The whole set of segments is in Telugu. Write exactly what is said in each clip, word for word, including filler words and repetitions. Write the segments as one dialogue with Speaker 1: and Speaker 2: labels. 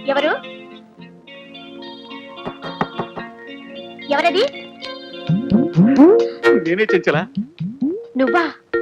Speaker 1: ఎవరు ఎవరది?
Speaker 2: నేనే చెంచలా.
Speaker 1: నువ్వా?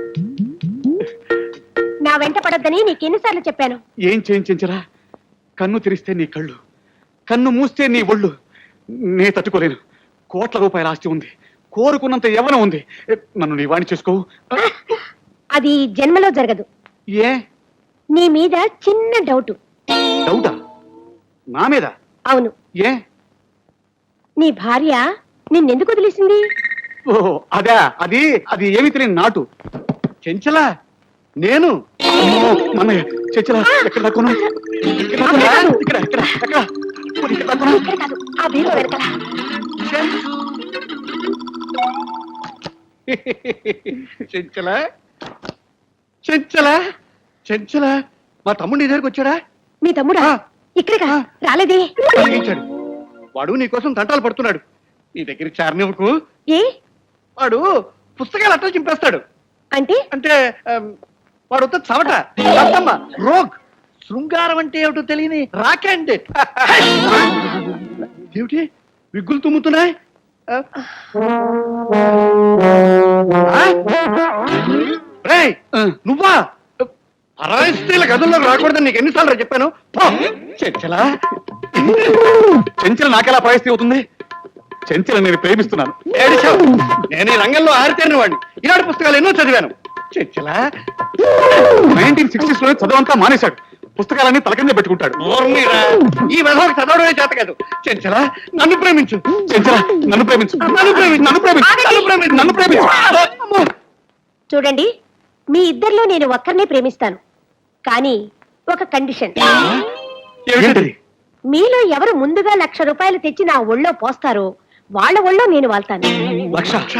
Speaker 1: నా వెంట పడొద్దని నీకెన్నిసార్లు చెప్పాను?
Speaker 2: ఏం చేయించరా? కన్ను తెరిస్తే నీ కళ్ళు, కన్ను మూస్తే నీ ఒళ్ళు. నే తట్టుకోలేను. కోట్ల రూపాయల ఆస్తి ఉంది, కోరుకున్నంత యవ్వనం ఉంది. నన్ను నీ వాణి చేసుకోవు.
Speaker 1: అది జన్మలో జరగదు.
Speaker 2: ఏ?
Speaker 1: నీ మీద చిన్న డౌట్.
Speaker 2: డౌటా? నా మీద?
Speaker 1: అవును.
Speaker 2: ఏ?
Speaker 1: నీ భార్య నిన్నెందుకు వదిలేసింది?
Speaker 2: ఓ అదా, అది అది ఏమి తెలియని నాటు. చెంచలా నేను మన చెంచలా ఎక్కడ దాక్కున్నా? ఇక్కడ ఇక్కడ ఎక్కడ ఇక్కడ దాక్కున్నా?
Speaker 1: ఆ బీరువా వెనకాల.
Speaker 2: చెంచలా చెంచలా చెంచలా మా తమ్ముడు నీ దగ్గరికి వచ్చాడా?
Speaker 1: మీ తమ్ముడా? ఇక్కడికా రాలేదే?
Speaker 2: కలిగించాడు. వాడు నీకోసం తంటాలు పడుతున్నాడు. నీ దగ్గరికి చారనివ్వకు.
Speaker 1: ఏ?
Speaker 2: వాడు పుస్తకాలు అట్టలు చింపేస్తాడు.
Speaker 1: అంటే
Speaker 2: అంటే వాడు వద్ద చవట అత్తమ్మ రోగ్. శృంగారం అంటే ఏమిటో తెలియని రాకెండ్. ఏమిటి విగ్గులు తుమ్ముతున్నాయి? నువ్వా? అరవై స్త్రీల గదుల్లోకి రాకూడదని నీకు ఎన్నిసార్లు చెప్పాను? చెంచలా చెంచల నాకెలా పరిస్థితి అవుతుంది? చెంచల నేను ప్రేమిస్తున్నాను. నేను ఈ రంగంలో ఆరితేరిన వాడిని. ఈనాడు పుస్తకాలు ఎన్నో చదివాను. చెంచలా నైన్టీన్ సిక్స్టీస్ లో చదవంతా మానేశాడు. పుస్తకాలన్నీ తలకింద పెట్టుకుంటాడు. ఈ విధంగా చదవడమే చేత కాదు. చెంచలా నన్ను ప్రేమించు. చెంచలా నన్ను ప్రేమించు. నన్ను ప్రేమించు. నన్ను ప్రేమించు. నన్ను ప్రేమించు. నన్ను ప్రేమించు.
Speaker 1: చూడండి, మీ ఇద్దరిలో నేను ఒక్కరినే ప్రేమిస్తాను. కానీ ఒక కండిషన్. మీలో ఎవరు ముందుగా లక్ష రూపాయలు తెచ్చి నా ఒళ్ళో పోస్తారో వాళ్ళ ఒళ్ళో నేను వాళ్తాను.
Speaker 2: లక్ష?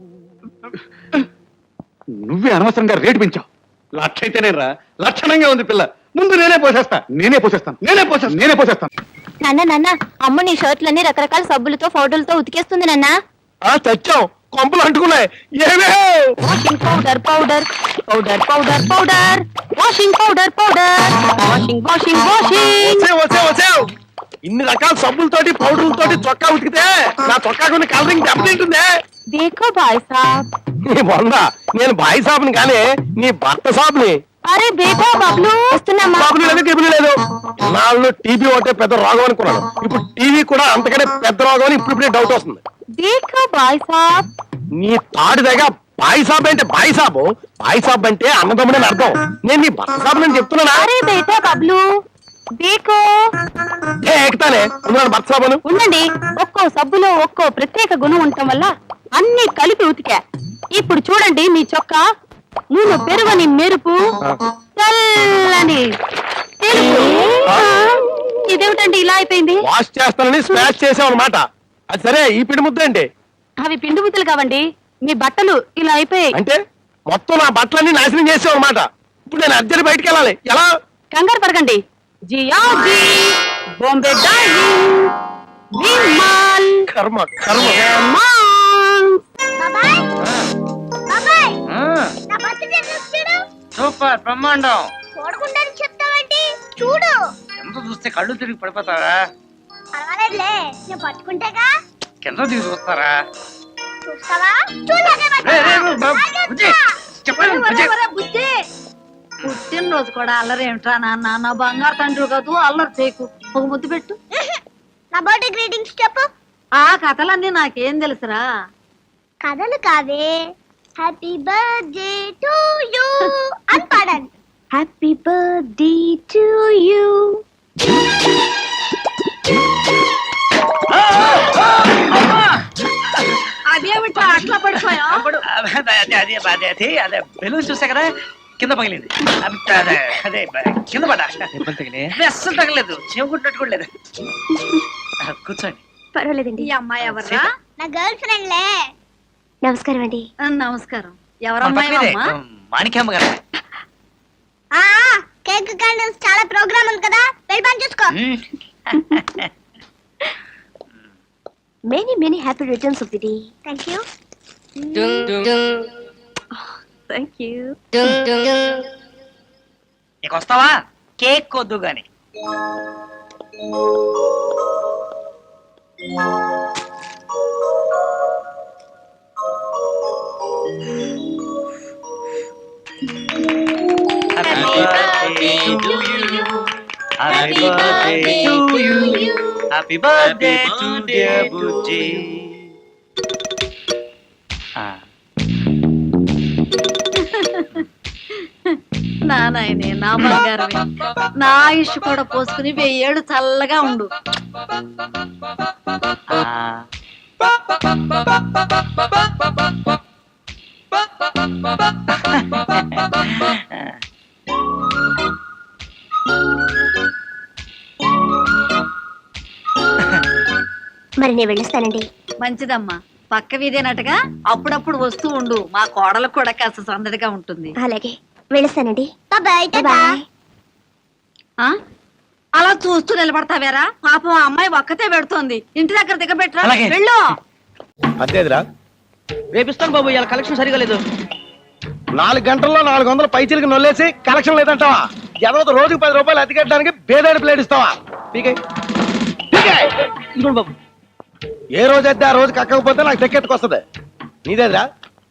Speaker 2: నువ్వే అనవసరంగా రేటు పెంచావు. లక్ష అయితేనే రా, లక్షణంగా ఉంది పిల్ల. ముందు నేనే పోసేస్తా. నేనే పోసేస్తాను. నేనే పోసేస్తాను. నేనే పోసేస్తాను.
Speaker 1: నాన్న నాన్న, అమ్మ నీ షర్ట్లన్నీ రకరకాల సబ్బులతో ఫోటోలతో ఉతికేస్తుంది నాన్న.
Speaker 2: చచ్చాం, కొంపలు అంటుకున్నాయి.
Speaker 1: Washing powder powder powder powder powder washing powder powder washing washing washing.
Speaker 2: ఇన్ని రకాల సబ్బులతోటి పౌడర్లతోటి చొక్కా ఉతికితే నా చొక్కా కొన్ని కలరింగ్ దెబ్బతింటుందే.
Speaker 1: దేఖో భాయ్ సాబ్.
Speaker 2: నీ వంద, నేను బాయ్ సాబ్ని కానీ నీ భర్త సాబ్ని.
Speaker 1: అరే బేటా బబ్లు వస్తున్నామా?
Speaker 2: బాబులు లేదు, టీవీ లేదు. నాళ్ళు టీవీ ఒకటే పెద్ద రోగం అనుకున్నాను. ఇప్పుడు టీవీ కూడా అంతకంటే పెద్ద రోగం అని ఇప్పుడు ఇప్పుడే డౌట్ వస్తుంది.
Speaker 1: దేఖో భాయ్ సాబ్.
Speaker 2: నీ తాడి దగ్గర బాయ్ సాబ్ అంటే బాయ్ సాబు, బాయ్ సాబ్ అంటే అన్నదమ్ముడని అర్థం. నేను నీ భర్త సాబ్ అని చెప్తున్నానా?
Speaker 1: అరే బేటా బబ్లు దేఖో.
Speaker 2: ఎక్కుతానే భర్త సాబును.
Speaker 1: ఉండండి, ఒక్కో సబ్బులో ఒక్కో ప్రత్యేక గుణం ఉండటం వల్ల అన్ని కలిపి ఉతికా. ఇప్పుడు చూడండి, మీ చొక్కా నూనె పెరుగని మెరుపు, తెల్లని తెలుపు. ఇదేమిటండి ఇలా అయిపోయింది?
Speaker 2: వాష్ చేస్తానని స్మాష్ చేసావు అనమాట. అది సరే, ఈ పిండి ముద్ద ఏంటి?
Speaker 1: అవి పిండి ముద్దలు కావండి, మీ బట్టలు ఇలా అయిపోయాయి.
Speaker 2: అంటే మొత్తం నా బట్టలన్నీ నాశనం చేసావు అనమాట. ఇప్పుడు నేను అర్జెంట్ బయటికి వెళ్ళాలి. ఎలా?
Speaker 1: కంగారు పడకండి. జియాజీ, బాంబే డార్లింగ్, విమాల్,
Speaker 2: కర్మ కర్మ.
Speaker 3: సూపర్, బ్రహ్మాండం.
Speaker 4: చూడకుండానే చెప్తావంటి? చూడు.
Speaker 3: ఎంత చూస్తే కళ్ళు తిరిగి పడిపోతారా?
Speaker 4: పర్వాలేదులే, నేను పట్టుకుంటేగా.
Speaker 3: కింద దిగి చూస్తారా?
Speaker 4: చూస్తావా? చూడకే బుద్ధి.
Speaker 5: పుట్టినరోజు కూడా అల్లరి ఏమిట్రా నాన్న? నా బంగారు తండ్రి కాదు, అల్లరి చేయకు. ఒక ముద్దు పెట్టు.
Speaker 4: నా బర్త్డే గ్రీటింగ్స్ చెప్పు.
Speaker 5: ఆ కథలన్నీ నాకేం తెలుసురా?
Speaker 4: కథలు కావే, హ్యాపీ బర్త్డే టు యూ అని పాడండి. Happy birthday to you.
Speaker 5: అదేమిటా అట్లా పడిపోయా?
Speaker 3: అదే బెలూన్ చూసా కదా, కింద పగిలింది. అదే అదే కింద పడ్డా. అస్సలు తగలేదు, చెవుకుంటున్నట్టు కూడా లేదు. కూర్చోండి.
Speaker 1: పర్వాలేదండి.
Speaker 5: ఈ అమ్మాయి ఎవర్రా?
Speaker 4: నా గర్ల్ ఫ్రెండ్ లే.
Speaker 1: నమస్కారం అండి.
Speaker 5: నమస్కారం. ఎవరమ్మాయి?
Speaker 3: మాణిక్యమ్మ గారు.
Speaker 4: ఆ కేక్ క్యాండిల్స్ చాలా ప్రోగ్రామ్ ఉంది కదా, వెళ్ళి పని చూసుకో.
Speaker 1: Many many happy returns of the day.
Speaker 4: Thank you.
Speaker 1: Thank you.
Speaker 3: ఇక వస్తావా? కేక్ వద్దు గాని. Happy birthday to you. Happy birthday to you. Happy birthday to dear Bujji.
Speaker 5: నా నాయనే నా బంగారమే నా ఆయుష్ కూడా పోసుకుని వెయ్యేళ్ళు చల్లగా ఉండు.
Speaker 4: మరి నేను వెళ్ళిస్తానండి.
Speaker 5: మంచిదమ్మా, పక్క వీధేనట్టుగా అప్పుడప్పుడు వస్తూ ఉండు. మా కోడలకు కూడా కాస్త సందడిగా ఉంటుంది.
Speaker 4: అలాగే వెళ్ళిస్తానండి. Bye bye.
Speaker 5: ఆ అలా చూస్తూ నిలబడతావేరా? పాపం ఆ అమ్మాయి ఒక్కతే పెడుతోంది. ఇంటి దగ్గర దిగబెట్టరా.
Speaker 3: అలాగే.
Speaker 5: వెళ్ళు.
Speaker 6: అదేదిరా
Speaker 3: రేపిస్తాను బాబు, ఇవాళ కలెక్షన్ సరిగా లేదు.
Speaker 6: నాలుగు గంటల్లో నాలుగు వందల పైచీలకి నొల్లేసి కలెక్షన్ లేదంటావా? ఎవరో రోజుకి పది రూపాయలు అతికెట్టడానికి బేదాడి ప్లేట్ ఇస్తావా? పీకే పీకే.
Speaker 3: ఇదిగోండి బాబు.
Speaker 6: ఏ రోజు అయితే ఆ రోజు కక్కకపోతే నాకు తెక్కెత్తుకొస్తుంది. నీదేదిరా?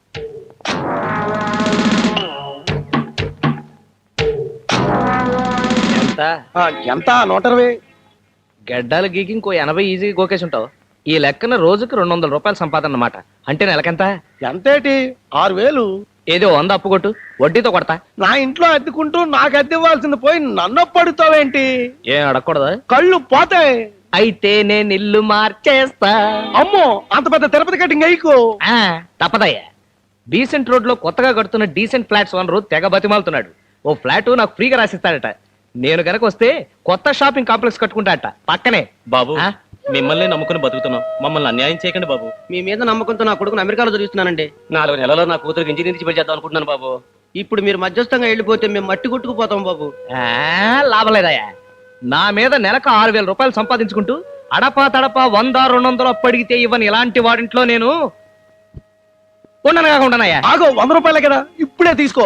Speaker 7: ఎంత
Speaker 6: ఆ, ఎంత నూట ఇరవై.
Speaker 7: గడ్డాలు గీకి ఇంకో ఎనభై ఈజీగా గోకేసి ఉంటావు. ఈ లెక్కన రోజుకి రెండు వందల రూపాయల సంపాదన అన్నమాట. అంటే నెలకెంత?
Speaker 6: ఎంతేటి? ఆరు వేలు.
Speaker 7: ఏదో వంద అప్పు కొట్టు, వడ్డీతో కొడతా.
Speaker 6: నా ఇంట్లో అద్దెకుంటూ నాకు అద్దె ఇవ్వాల్సింది పోయి నన్ను పడుతావేంటి?
Speaker 7: ఏం అడగకూడదా?
Speaker 6: కళ్ళు పోతాయి.
Speaker 7: అయితే నేను ఇల్లు మార్చేస్తా.
Speaker 6: అమ్మో, అంత పెద్ద తిరుపతి కట్టింగ్ అయ్యకు.
Speaker 7: ఆ, తప్పదయ్యా. డీసెంట్ రోడ్ లో కొత్తగా కడుతున్న డీసెంట్ ఫ్లాట్స్ ఓనరు తెగ బతిమాలుతున్నాడు. ఓ ఫ్లాట్ నాకు ఫ్రీగా రాసిస్తాడట. నేను గనక వస్తే కొత్త షాపింగ్ కాంప్లెక్స్ కట్టుకుంటాడట పక్కనే.
Speaker 8: బాబు,
Speaker 7: ఆ?
Speaker 8: మిమ్మల్ని నమ్ముకుని బతుకుతున్నాం, మమ్మల్ని అన్యాయం చేయకండి బాబు.
Speaker 3: మీ మీద నమ్మకంతో నా కొడుకుని అమెరికాలో చదివిస్తున్నానండి.
Speaker 8: నాలుగు నెలలో నా కూతురికి ఇంజనీరింగ్ చేసి చేద్దాం అనుకుంటున్నాను బాబు.
Speaker 3: ఇప్పుడు మీరు మధ్యస్థంగా వెళ్ళిపోతే మేము మట్టి కొట్టుకుపోతాం బాబు.
Speaker 7: ఆ, లాభలేదయ్యా. నా మీద నెలకు ఆరు వేల రూపాయలు సంపాదించుకుంటూ అడపా తడపా వంద రెండు వందలు అప్పడిగితే ఇవ్వని ఇలాంటి వాడింట్లో నేను ఉండను కాకుండానయ్యా.
Speaker 6: ఆగో, వంద రూపాయలే కదా, ఇప్పుడే తీసుకో.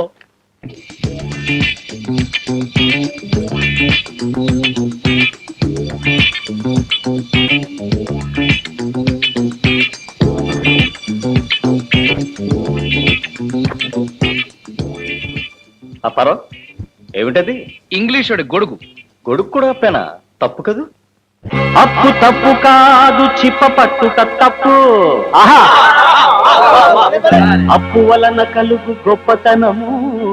Speaker 8: అప్పారో, ఏమిటది?
Speaker 7: ఇంగ్లీషుడి గొడుగు.
Speaker 8: గొడుగు కూడా అప్పేనా? తప్పు కదూ.
Speaker 9: అప్పు తప్పు కాదు, చిప్ప పట్టుట తప్పు. అప్పు వలన కలుగు గొప్పతనము,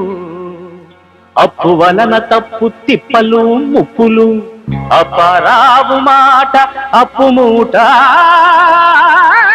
Speaker 9: అప్పు వలన తప్పు తిప్పలు ముప్పులు. అపరావు మాట అప్పు మూట,